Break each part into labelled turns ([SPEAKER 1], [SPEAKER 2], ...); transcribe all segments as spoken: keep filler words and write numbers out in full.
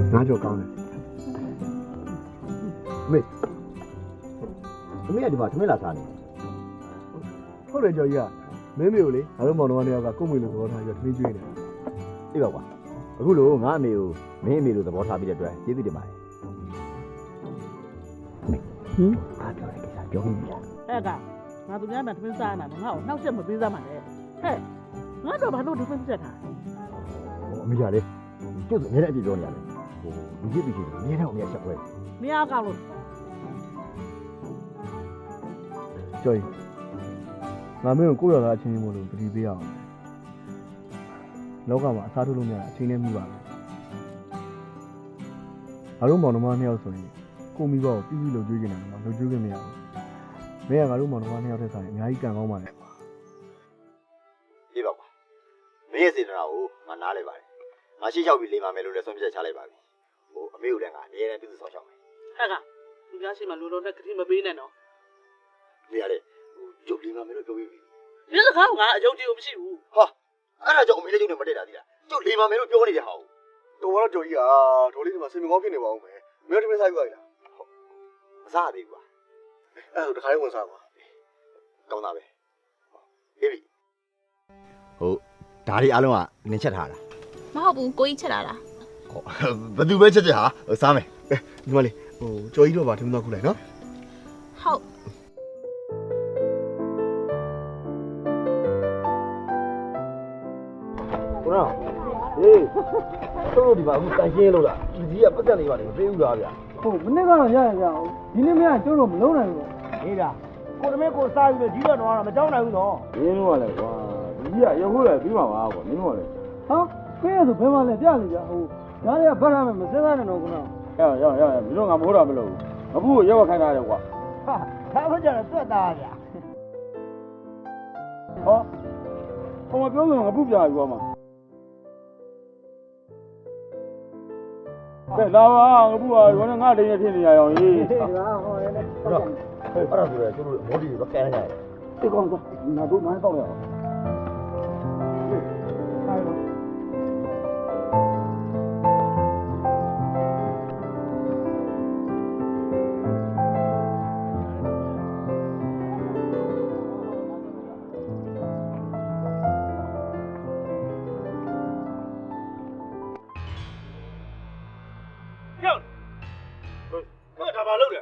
[SPEAKER 1] ငါကြောက်ကောင်းတယ်မေအမေကဒီမှာသမင်းလာစားနေဟုတ်တယ်ကြော်ကြီးကမင်းမေကိုလေငါတို့မောင်တော်ကနေကကို့မေလိုသဘောထားပြီးသမင်းကျွေးနေအေးပါကွာအခုလို့ငါအမေကိုမင်းအမေလိုသဘောထားပြီးတဲ့အတွက်ကျေးဇူးတင်ပါတယ်မေဟင်အားပြောတဲ့ကိစ္စပြောပြီးပြီလား
[SPEAKER 2] အဲ့ကငါသူများမှသမင်းစားနေတာငါ့ကိုနှောက်ရက်မပေးစားမှလည်းဟဲ့ငါတော့ဘာလို့သမင်းဆက်တာ
[SPEAKER 1] အမေကလေကျုပ်ကအများနဲ့အပြည့်ပြောနေရတယ်ဟိုလူကြီးပြည်ကြီးအများနဲ့အများဆက်ပွဲ
[SPEAKER 2] မရကောက်လို့
[SPEAKER 1] ကျော်ကြီးငါမင်းကိုကိုယ့်ရောသားအချင်းချင်းမို့လို့ပတိပေးအောင်လောကမှာအစားထိုးလို့မရအချင်းနဲ့မိပါမယ်ငါတို့မောင်နှမနှစ်ယောက်ဆိုရင်ကိုမိဘကိုပြည့်ပြည့်လုပ်ကြွေးနေတာတော့လုပ်ကြွေးခွင့်မရဘူးမင်းကငါတို့မောင်နှမနှစ်ယောက်ထက်ဆိုင်အများကြီးကံကောင်းပါလေပြေးပါကွာမင်းရဲ့စေတနာကိုငါနားလဲပါတယ်ငါရှေ့လျှောက်ပြီးလိမ်ပါမယ်လို့လည်းဆုံးဖြတ်ချလိုက်ပါပြီဟိုအမေကိုလည်းငါအမြဲတမ်းပြုစုဆောင်ရှောက်မယ်
[SPEAKER 2] ဟဲ့ကသူများရှိမှလူလုံးနဲ့ကတိမပေးနဲ့နော်
[SPEAKER 1] နေရတယ်ဟိုကျုပ်လိမ်ပါမယ်လို့ပြောပြီးပြီ
[SPEAKER 2] ဒီစကားကငါအယုံကြည်ကိုမရှိဘူး
[SPEAKER 1] ဟာအဲ့ဒါကြောင့်အမေလည်းကျုပ်နဲ့မတည့်တာဒီလားကျုပ်လိမ်ပါမယ်လို့ပြောနေတဲ့ဟာကိုတော်တော့ကြော်ကြီးကဒေါ်လေးဒီမှာစင်မကောင်းဖြစ်နေပါဦးမယ်မင်းတို့တမင်းစားယူရလားဟုတ်မစားသေးဘူးကွာအဲ့ဒါတခါလေးဝင်စားကွာကောင်းတာပဲဟေးပြီဟုတ်ဒါတွေအားလုံးကနင်းချက်ထားတာ
[SPEAKER 3] မဟုတ်ဘူးကိုကြီးချက်လာတာ
[SPEAKER 1] ဟုတ်ဘယ်သူပဲချက်ချက်ဟာစားမယ်ဒီမလေးဟိုကြော်ကြီးတော့ပါထမင်းတော့ခုလိုက်နော်
[SPEAKER 3] ဟုတ်
[SPEAKER 1] ကိုနော်ဟေးတို့ဒီမှာအခုတန်ရှင်းလို့လားဒီကြီးကပတ်သက်နေပါလေမသေးဘူးလားဗျာ
[SPEAKER 4] ဟုတ်မနေ့ကတော့ရရကြအောင်ဒီနေ့မရကျိုးတော့မလုံးနိုင်ဘူး
[SPEAKER 1] ဟေးဗျာကိုတမင်းကိုစားပြီးတော့ကြီးတော့တော့မကြောက်နိုင်ဘူးနော်
[SPEAKER 4] မင်းတို့ကလည်းကွာဒီကြီးကရုပ်ခုလည်းပြီးမှာပါကွာမင်းတို့ကလည်းဟာခဲရဆိုဘယ်မှလဲပြနေကြဟိုဒါတွေကဗတ်ရမယ်မစဲစားနဲ့တော့ခုနရရရရမင်းတို့ငါမိုးတာမလို့အခုရောက်ခိုင်းတာလေကွာ
[SPEAKER 1] ဟာဒါမှကြတော့သွက်သားဗျာ
[SPEAKER 4] ဟောဟိုမပြောလို့ငါပုပြာယူမှာကဲလာပါငါပုကရောနဲ့ငါတိန်နဲ့ဖြစ်နေရအောင်ကြီးဟေးပါဟောလည်း
[SPEAKER 1] ဟုတ်တော့အဲ့ဒါဆိုရင်ကျတို့မော်ဒီတွေပဲကဲနေတယ်
[SPEAKER 4] ဒီကောင်ကငါတို့မိုင်းတော့ရအောင်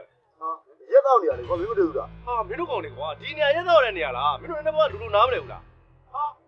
[SPEAKER 1] ရက်တော့နေရတယ်ကွာမင်းမတွေ့ဘူးလား
[SPEAKER 5] ဟာမင်းတို့ကောင်တွေကွာဒီနေရာရက်တော့တဲ့နေရာလားမင်းတို့လည်းဘာလူလူနားမလဲဘူးလား